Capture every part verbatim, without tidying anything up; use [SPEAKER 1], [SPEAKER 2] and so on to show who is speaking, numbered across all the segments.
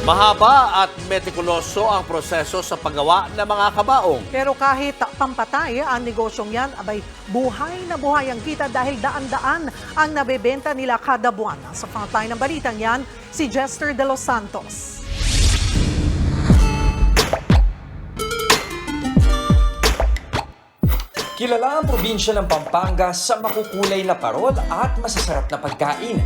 [SPEAKER 1] Mahaba at metikuloso ang proseso sa paggawa ng mga kabaong.
[SPEAKER 2] Pero kahit pampatay ang negosyong yan, abay buhay na buhay ang kita dahil daan-daan ang nabebenta nila kada buwan. Sa frontline ng balitang yan, si Jester De Los Santos.
[SPEAKER 3] Kilala ang probinsya ng Pampanga sa makukulay na parol at masasarap na pagkain.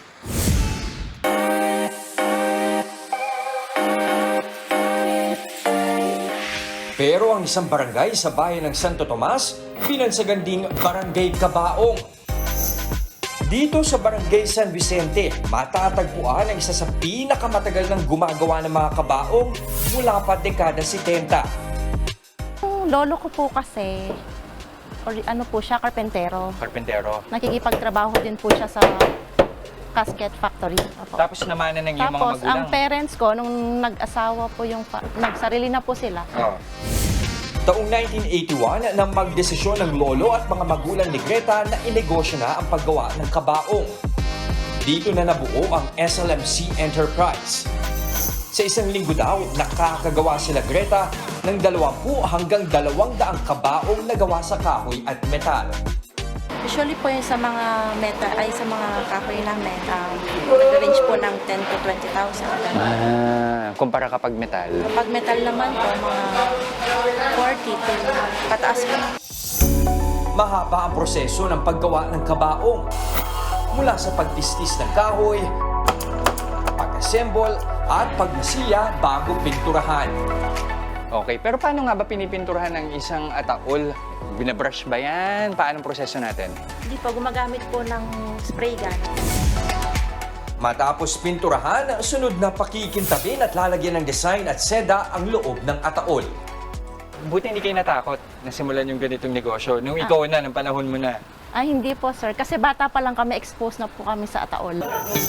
[SPEAKER 3] Pero ang isang barangay sa bayan ng Santo Tomas, binansagan ding Barangay Cabaong. Dito sa Barangay San Vicente, matatagpuan ang isa sa pinakamatagal ng gumagawa ng mga kabaong mula pa dekada setenta.
[SPEAKER 4] Yung lolo ko po kasi, or ano po siya, karpentero.
[SPEAKER 5] Karpentero.
[SPEAKER 4] Nakikipagtrabaho din po siya sa casket factory. Opo.
[SPEAKER 5] Tapos namanan ng iyong mga
[SPEAKER 4] Tapos,
[SPEAKER 5] magulang.
[SPEAKER 4] ang parents ko, nung nag-asawa po yung, pa- nagsarili na po sila.
[SPEAKER 5] Oh.
[SPEAKER 3] Taong nineteen eighty-one nang magdesisyon ng lolo at mga magulang ni Greta na inegosyo na ang paggawa ng kabaong. Dito na nabuo ang S L M C Enterprise. Sa isang linggo daw, nakakagawa sila Greta ng dalawampu hanggang dalawang daang kabaong na gawa sa kahoy at metal.
[SPEAKER 6] Usually po yung sa mga meta ay sa mga kahoy namin, um, nag-range po ng ten to twenty thousand.
[SPEAKER 5] Ah, kumpara kapag metal.
[SPEAKER 6] Kapag metal naman po, mga forty to pataas po.
[SPEAKER 3] Mahaba ang proseso ng paggawa ng kabaong. Mula sa pagtistis ng kahoy, pag-assemble, at pagmasiya bago pinturahan.
[SPEAKER 5] Okay, pero paano nga ba pinipinturahan ng isang ataol? Binabrush ba yan? Paano ang proseso natin?
[SPEAKER 6] Hindi po, gumagamit po ng spray gun.
[SPEAKER 3] Matapos pinturahan, sunod na pakikintabin at lalagyan ng design at seda ang loob ng ataol.
[SPEAKER 5] Buti hindi kayo natakot na simulan yung ganitong negosyo. Nung ikaw na, nung panahon mo na.
[SPEAKER 4] Ay, hindi po, sir. Kasi bata pa lang kami, exposed na po kami sa ataol.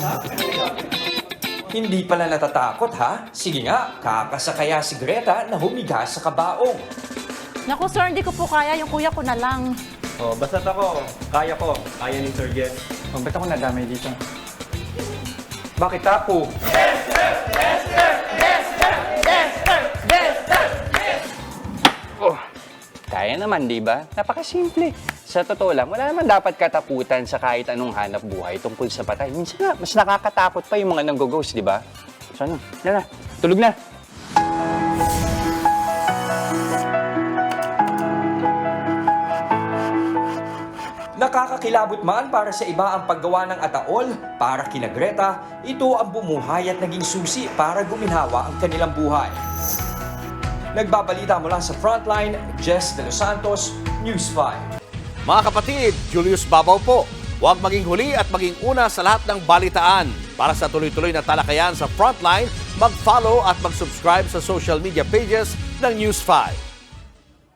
[SPEAKER 3] Hindi pala natatakot ha? Sige nga, kakasakaya si Greta na humiga sa kabaong.
[SPEAKER 4] Naku, sir, hindi ko po kaya. Yung kuya ko na lang.
[SPEAKER 7] Oh, basta't ako, kaya ko. Kaya ni Sir Jess.
[SPEAKER 5] Oh, ba't ako nadamay dito? Bakit tapo? Oh, kaya naman, di ba? Napakasimple. Sa totoo lang, wala naman dapat katakutan sa kahit anong hanap buhay tungkol sa patay. Minsan nga, mas nakakatakot pa yung mga nanggo-ghost, di ba? So ano, yan na, tulog na.
[SPEAKER 3] Nakakakilabot man para sa iba ang paggawa ng ataol, para kina Greta, ito ang bumuhay at naging susi para guminhawa ang kanilang buhay. Nagbabalita mula sa Frontline, Jess De Los Santos, News five.
[SPEAKER 1] Mga kapatid, Julius Babaw po. Huwag maging huli at maging una sa lahat ng balitaan. Para sa tuloy-tuloy na talakayan sa Frontline, mag-follow at mag-subscribe sa social media pages ng News five.